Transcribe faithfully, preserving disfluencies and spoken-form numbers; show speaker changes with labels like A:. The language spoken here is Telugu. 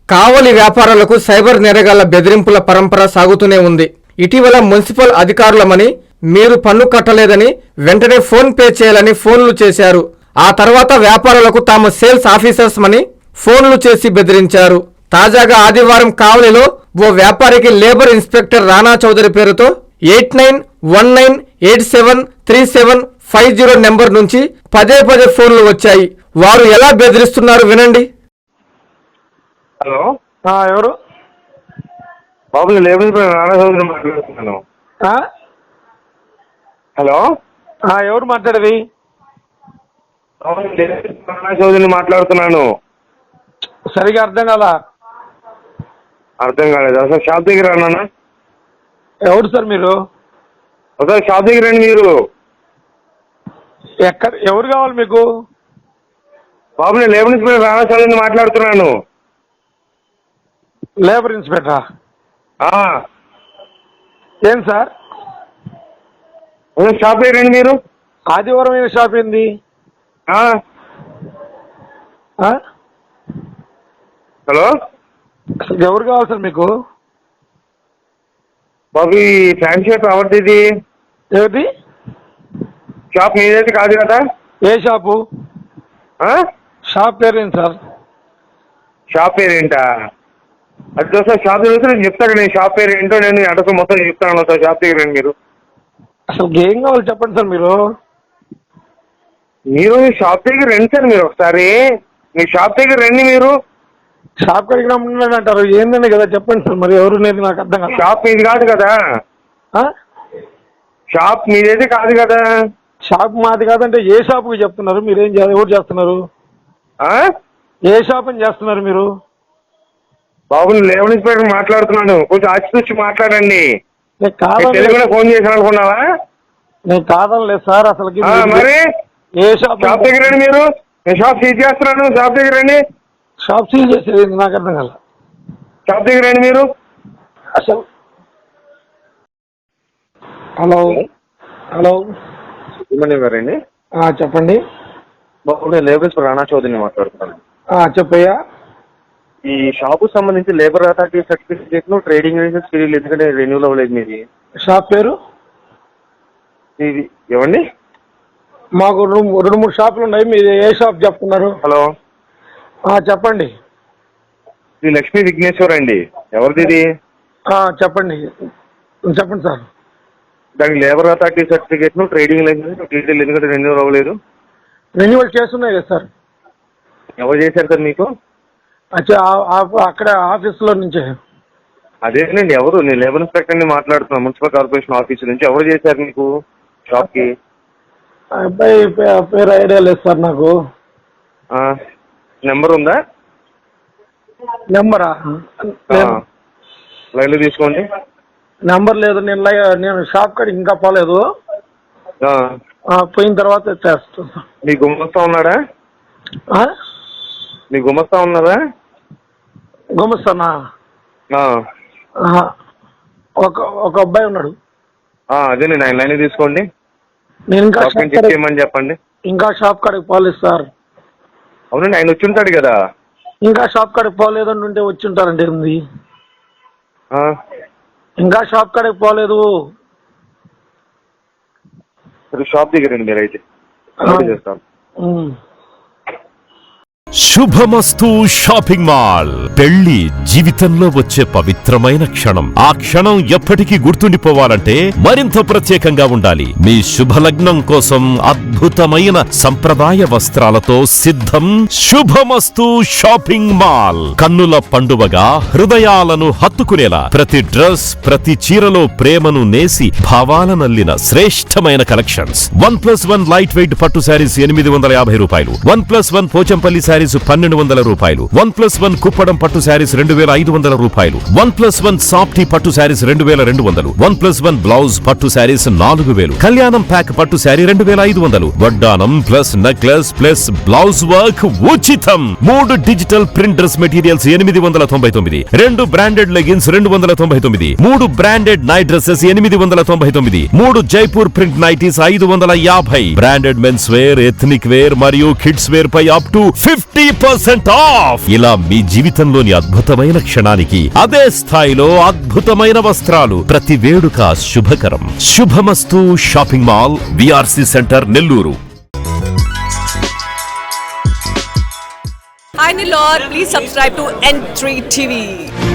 A: కావలి వ్యాపారులకు సైబర్ నేరగాళ్ల బెదిరింపుల పరంపర సాగుతూనే ఉంది. ఇటీవల మున్సిపల్ అధికారులమని మీరు పన్ను కట్టలేదని వెంటనే ఫోన్ పే చేయాలని ఫోన్లు చేశారు. ఆ తర్వాత వ్యాపారులకు తాము సేల్స్ ఆఫీసర్స్ మని ఫోన్లు చేసి బెదిరించారు. తాజాగా ఆదివారం కావలిలో ఓ వ్యాపారికి లేబర్ ఇన్స్పెక్టర్ రాణా చౌదరి పేరుతో eight nine one nine eight seven three seven five zero number నుంచి పదే పదే ఫోన్లు వచ్చాయి. వారు ఎలా బెదిరిస్తున్నారు వినండి.
B: హలో,
C: ఎవరు
B: బాబు? నేను లేబర్ ఇన్స్పెక్టర్ రాణా చౌదరి మాట్లాడుతున్నాను. హలో,
C: ఎవరు మాట్లాడేది?
B: రాణా చౌదరిని మాట్లాడుతున్నాను.
C: సరిగా అర్థం కాలా.
B: అర్థం కాలేదు. అసలు షాప్ దగ్గర అన్నా.
C: ఎవరు సార్ మీరు?
B: అసలు షాప్ దగ్గర రండి మీరు.
C: ఎక్కడ? ఎవరు కావాలి మీకు?
B: బాబు, నేను లేబర్ ఇన్స్పెక్టర్ రాణా చౌదరిని మాట్లాడుతున్నాను.
C: లేబర్ ఇన్స్పెక్టరా? ఏం సార్?
B: అసలు షాప్ దగ్గర రండి మీరు.
C: ఆదివారం ఏం షాప్ ఏంది?
B: హలో,
C: ఎవరు కావాలి సార్ మీకు?
B: బాబు, ఈ ఫ్యాన్ షాప్ ఎవరిది? ఇది
C: ఏమిటి
B: షాప్ మీదైతే కాదు కదా?
C: ఏ షాపు? షాప్ పేరేంటి సార్?
B: షాప్ పేరేంటా? అది సార్ షాప్ దగ్గర నేను చెప్తాను. నేను షాప్ పేరు ఏంటో నేను అడ్రస్ మొత్తం చెప్తాను సార్. షాప్ దగ్గర రండి మీరు.
C: అసలు ఏం కావాలి చెప్పండి సార్. మీరు
B: మీరు షాప్ దగ్గర రండి సార్. మీరు ఒకసారి మీ షాప్ దగ్గర రండి మీరు.
C: షాప్ కడిగి రమ్మన్నాడు అంటారు. ఏందని కదా చెప్పండి సార్. మరి ఎవరు లేదు నాకు అర్థం కాదు.
B: షాప్ మీది కాదు కదా? షాప్ మీదైతే కాదు కదా?
C: షాప్ మాది కాదంటే ఏ షాప్కి చెప్తున్నారు? మీరేం ఎవరు చేస్తున్నారు? ఏ షాప్ అని చేస్తున్నారు మీరు?
B: బాబు, నేను లేబర్ ఇన్స్పెక్టర్ మాట్లాడుతున్నాను. కొంచెం ఆచితూచి మాట్లాడండి. తెలుగులో ఫోన్ చేశాను అనుకున్నావా?
C: నేను కాదనలేదు సార్. అసలు
B: మరి
C: ఏ షాప్?
B: షాప్ దగ్గర రండి మీరు. నేను షాప్ సీజ్ చేస్తున్నాను. షాప్ దగ్గర రండి.
C: షాప్ సీజ్ చేసేది నాకు అర్థం కాల.
B: షాప్ దగ్గర రండి మీరు.
C: అసలు హలో హలో
B: ఇవ్వండి.
C: చెప్పండి
B: బాబు, నేను లేబర్ ఇన్స్పెక్టర్ రాణా చౌదరిని మాట్లాడుతున్నాను.
C: చెప్పయ్యా.
B: ఈ షాపు సంబంధించి లేబర్ అథారిటీ సర్టిఫికేట్ ను ట్రేడింగ్ లైసెన్స్ పీరియడ్ ఎందుకంటే రెన్యూల్ అవ్వలేదు మీది.
C: షాప్ పేరు
B: ఇది ఇవ్వండి.
C: మాకు రెండు రెండు మూడు షాపులు ఉన్నాయి. మీరు ఏ షాప్ చెప్తున్నారు?
B: హలో,
C: చెప్పండి.
B: శ్రీ లక్ష్మీ విఘ్నేశ్వర్ అండి. ఎవరిది ఇది?
C: చెప్పండి చెప్పండి సార్.
B: దానికి లేబర్ అథారిటీ సర్టిఫికేట్ ను ట్రేడింగ్ లైసెన్స్ డీటెయిల్ ఎందుకంటే రెన్యూల్ అవ్వలేదు.
C: రెన్యువల్ చేస్తున్నాయి కదా సార్.
B: ఎవరు చేశారు సార్ మీకు?
C: అక్కడ ఆఫీసులో నుంచి.
B: అదేనండి. ఎవరు? నేను లేబర్ ఇన్స్పెక్టర్ని మాట్లాడుతున్నాను. మున్సిపల్ కార్పొరేషన్ ఆఫీస్ నుంచి. ఎవరు చేశారు మీకు షాప్ కి?
C: అబ్బాయి పేరు ఐడియా లేదు సార్ నాకు.
B: నెంబర్ ఉందా?
C: నెంబరా?
B: లైన్లో తీసుకోండి.
C: నెంబర్ లేదు. నేను నేను షాప్ కాడికి ఇంకా పోలేదు. పోయిన తర్వాత చేస్తాను.
B: మీ గుమస్తా ఉన్నాడా? మీ గుమస్తా ఉన్నారా?
C: గుమస్తానా? ఒక ఒక అబ్బాయి ఉన్నాడు.
B: అదేనండి. ఆయన లైన్ తీసుకోండి.
C: నేను ఇంకా
B: చెప్పమని చెప్పండి.
C: ఇంకా షాప్ కాడికి పోలేదు సార్.
B: అవునండి, ఆయన వచ్చి ఉంటాడు కదా.
C: ఇంకా షాప్ కాడికి పోలేదని ఉంటే వచ్చి ఉంటారండి. ఉంది. ఇంకా షాప్ కాడికి పోలేదు.
B: షాప్ దగ్గర రండి మీరు. అయితే చేస్తాను.
D: శుభమస్తు షాపింగ్ మాల్. పెళ్లి జీవితంలో వచ్చే పవిత్రమైన క్షణం. ఆ క్షణం ఎప్పటికీ గుర్తుండిపోవాలంటే మరింత ప్రత్యేకంగా ఉండాలి. మీ శుభలగ్నం కోసం అద్భుతమైన సంప్రదాయ వస్త్రాలతో సిద్ధం శుభమస్తు షాపింగ్ మాల్. కన్నుల పండువగా హృదయాలను హత్తుకునేలా ప్రతి డ్రెస్, ప్రతి చీరలో ప్రేమను నేసి భావాలనల్లిన శ్రేష్టమైన collections. One plus one light weight పట్టు శారీస్ ఎనిమిది వందల యాభై రూపాయలు. One plus one Pochampally saris పన్నెండు వందల రూపాయలు. వన్ ప్లస్ వన్ కుప్పడం పట్టు శారీస్ రెండు వేల ఐదు వందల రూపాయలు. వన్ ప్లస్ వన్ సాఫ్టీ పట్టు శారీస్ రెండు వేల రెండు వందలు. వన్ ప్లస్ వన్ బ్లౌజ్ పట్టు శారీస్ నాలుగు వేలు. కళ్యాణం ప్యాక్ పట్టు శారీ రెండు వేల ఐదు వందలు. వడ్డానం plus necklace plus blouse work ఉచితం. మూడు డిజిటల్ ప్రింట్ డ్రెస్ మెటీరియల్స్ ఎనిమిది వందల తొంభై తొమ్మిది. రెండు బ్రాండెడ్ లెగిన్స్ రెండు వందల తొంభై తొమ్మిది. మూడు బ్రాండెడ్ నైట్ డ్రెస్సెస్ ఎనిమిది వందల తొంభై తొమ్మిది. మూడు జైపూర్ ప్రింట్ నైటీస్ ఐదు వందల యాభై. Branded men's wear, ethnic wear మరియు కిడ్స్ వేర్ పై up to fifty fifty percent off. ఇలా మీ జీవితంలోని అద్భుతమైన క్షణానికి అదే స్థాయిలో అద్భుతమైన వస్త్రాలు. ప్రతి వేడుక శుభకరం. Shubhamastu shopping mall, VRC centre, Nellore.
E: Hi Nilor, please subscribe to N three T V.